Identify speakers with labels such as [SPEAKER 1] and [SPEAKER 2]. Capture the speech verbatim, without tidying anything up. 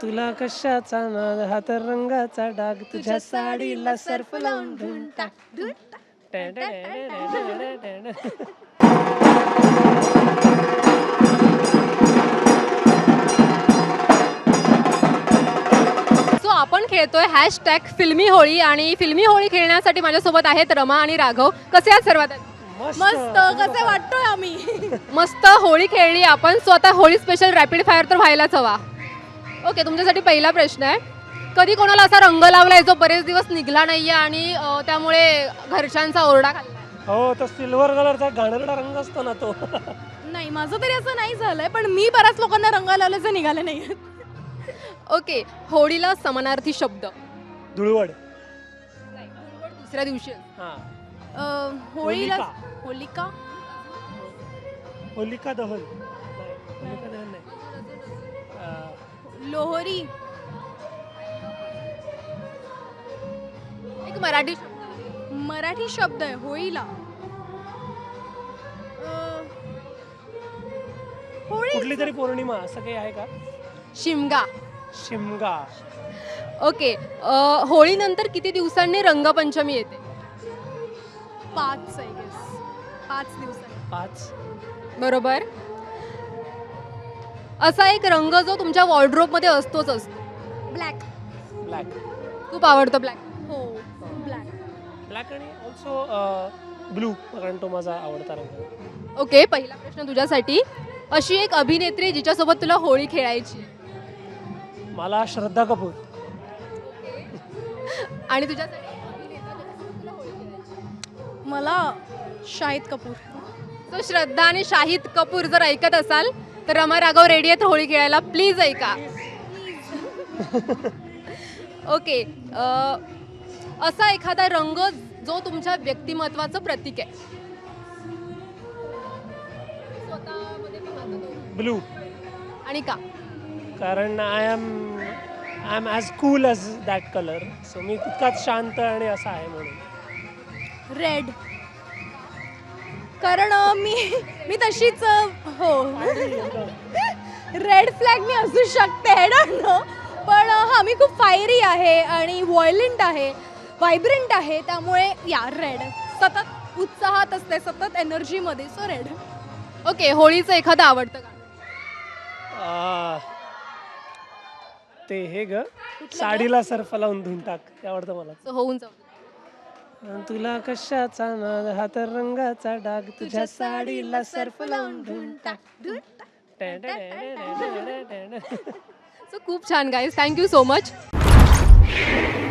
[SPEAKER 1] तुला कशाचा नाद हा तर रंगाचा डाग तुझ्या साडीला सर्फ लावून धुवून टाक.
[SPEAKER 2] सो आपण खेळतोय हॅशटॅग फिल्मी होळी आणि फिल्मी होळी खेळण्यासाठी माझ्यासोबत आहेत रमा आणि राघव. कसे आहात सर्वात आधी?
[SPEAKER 3] मस्त कसे वाटतोय आम्ही.
[SPEAKER 2] मस्त होळी खेळली आपण. सो आता होळी स्पेशल रॅपिड फायर तर व्हायलाच हवा. ओके, तुमच्यासाठी पहिला प्रश्न आहे, कधी कोणाला असा रंग लावलाय जो बरेच दिवस निघला नाहीये आणि अ, त्यामुळे घरच्यांचा ओरडा खाल्ला?
[SPEAKER 1] हो, तो सिल्वर कलरचा घाणेरडा रंग असतो ना तो.
[SPEAKER 3] नाही, माझं तरी असं नाही झालंय, पण मी बऱ्याच लोकांना रंग लावल्याचे निघाले नाही.
[SPEAKER 2] ओके, होळीला समानार्थी शब्द.
[SPEAKER 1] धुळवड.
[SPEAKER 2] दुसऱ्या दिवशी
[SPEAKER 1] हा,
[SPEAKER 3] होळीला
[SPEAKER 1] होलिका.
[SPEAKER 3] होलिका
[SPEAKER 1] होलिका दहन नाही, होलिका दहन नाही. अं,
[SPEAKER 3] लोहरी
[SPEAKER 2] एक मराठी शब्द.
[SPEAKER 3] मराठी शब्द आहे होळीला. अं, होळी
[SPEAKER 1] कुठली तरी पौर्णिमा असं काही आहे का?
[SPEAKER 2] शिमगा.
[SPEAKER 1] शिमगा.
[SPEAKER 2] ओके, अ, होळीनंतर किती दिवसांनी रंगपंचमी येते?
[SPEAKER 3] पाच आय गेस पाच दिवसांनी.
[SPEAKER 1] पाच.
[SPEAKER 2] बरोबर. असा एक रंग जो तुमच्या वॉर्डरोब मध्ये असतोच असतो.
[SPEAKER 3] ब्लॅक.
[SPEAKER 1] ब्लॅक.
[SPEAKER 2] खूप आवडतो ब्लॅक.
[SPEAKER 3] हो, ब्लॅक.
[SPEAKER 1] ब्लॅक आणि ऑल्सो ब्लू, कारण तो माझा आवडता रंग.
[SPEAKER 2] ओके, पहिला प्रश्न तुझ्यासाठी, अशी एक अभिनेत्री जिच्यासोबत तुला होळी खेळायची
[SPEAKER 1] मला श्रद्धा कपूर.
[SPEAKER 2] आणि तुझ्यासाठी अभिनेता ज्याच्यासोबत तुला होळी खेळायची?
[SPEAKER 3] मला शाहिद कपूर.
[SPEAKER 2] तो श्रद्धा आणि शाहिद कपूर जर ऐकत असाल तर रमा राघव रेडी आहेत होळी खेळायला, प्लीज ऐका. ओके, अ, असा एखादा रंग जो तुमच्या व्यक्तिमत्वाचं प्रतीक आहे? स्वतःमध्ये पाहतो तो.
[SPEAKER 1] ब्लू.
[SPEAKER 2] आणि का?
[SPEAKER 1] कारण I am I am as cool as that colour. So मी तितकाच शांत आणि असा आहे म्हणून.
[SPEAKER 3] रेड. कारण अ, मी मी तशीच अ, हो रेड फ्लॅग मी असू शकते, आय डोंट नो, पण अ, हा मी खूप फायरी आहे आणि व्हायलेंट आहे, व्हायब्रंट आहे, त्यामुळे या रेड. सतत उत्साहात असते, सतत एनर्जीमध्ये, सो रेड.
[SPEAKER 2] ओके, होळीचं एखादं आवडतं गाणं?
[SPEAKER 1] आ, ते हे ग, साडीला सर्फ लावून धुवून टाक, ते आवडतं मला.
[SPEAKER 2] So, होऊन जाऊ.
[SPEAKER 1] तुला कशाचा नाद हा तर रंगाचा डाग तुझ्या साडीला सर्फ लावून धुवून टाक.
[SPEAKER 2] सो खूप छान गाईज, थँक्यू सो मच.